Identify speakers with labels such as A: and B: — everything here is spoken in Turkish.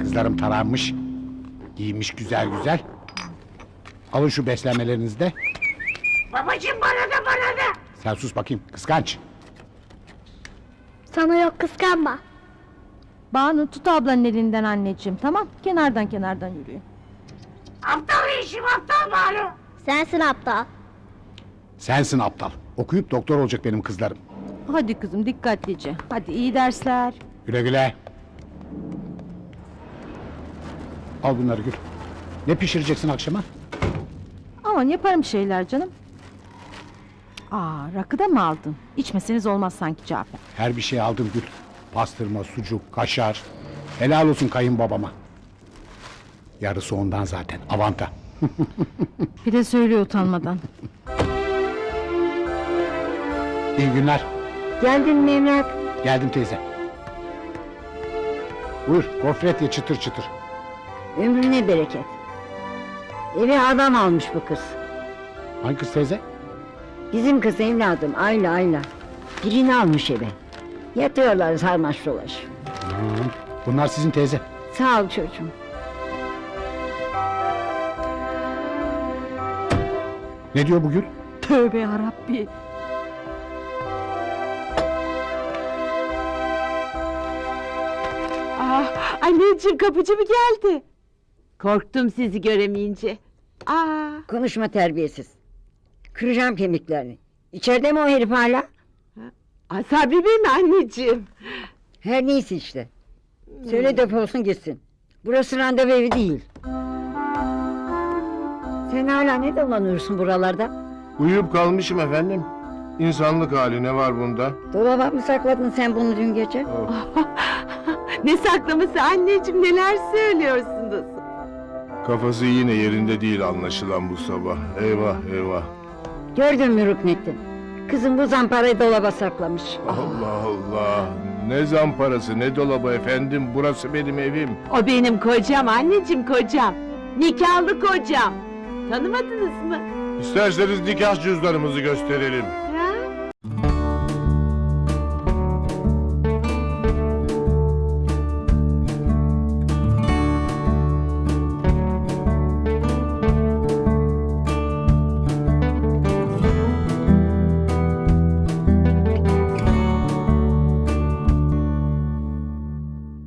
A: Kızlarım taranmış. Giyinmiş güzel güzel. Alın şu beslenmelerinizi de.
B: Babacığım bana da.
A: Sen sus bakayım kıskanç.
C: Sana yok, kıskanma.
D: Banu tut ablanın elinden anneciğim, tamam? Kenardan yürüyün.
B: Aptal işim aptal Banu.
C: Sensin aptal.
A: Sensin aptal. Okuyup doktor olacak benim kızlarım.
D: Hadi kızım dikkatlice. Hadi iyi dersler.
A: Güle güle. Al bunları Gül. Ne pişireceksin akşama?
D: Aman yaparım şeyler canım. Rakı da mı aldın? İçmeseniz olmaz sanki Cafer.
A: Her bir şey aldım Gül. Pastırma, sucuk, kaşar. Helal olsun kayınbabama. Yarısı ondan zaten. Avanta.
D: Bir de söylüyor utanmadan.
A: İyi günler.
E: Geldin mi Emrah?
A: Geldim teyze. Buyur gofret ye çıtır çıtır.
E: Ömrüne bereket. Eve adam almış bu kız.
A: Hangi kız teyze?
E: Bizim kız evladım Ayla. Birini almış eve. Yatıyorlar sarmaş dolaş.
A: Bunlar sizin teyze.
E: Sağ ol çocuğum.
A: Ne diyor bu Gül?
D: Tövbe yarabbi.
F: Anneciğim kapıcı mı geldi? Korktum sizi göremeyince.
E: Konuşma terbiyesiz. Kıracağım kemiklerini. İçeride mi o herif hala?
F: Sabri Bey mi anneciğim?
E: Her neyse işte. Söyle defolsun gitsin. Burası randevu evi değil. Sen hala ne dolanıyorsun buralarda?
G: Uyuyup kalmışım efendim. İnsanlık hali ne var bunda?
E: Dolaba mı sakladın sen bunu dün gece?
F: Ne saklaması anneciğim, neler söylüyorsunuz?
G: Kafası yine yerinde değil anlaşılan bu sabah. Eyvah.
E: Gördün mü Rüknettin? Kızım bu zamparayı dolaba saklamış.
G: Allah. Ne zamparası ne dolabı efendim. Burası benim evim.
F: O benim kocam anneciğim, kocam. Nikahlı kocam. Tanımadınız mı?
G: İsterseniz nikah cüzdanımızı gösterelim.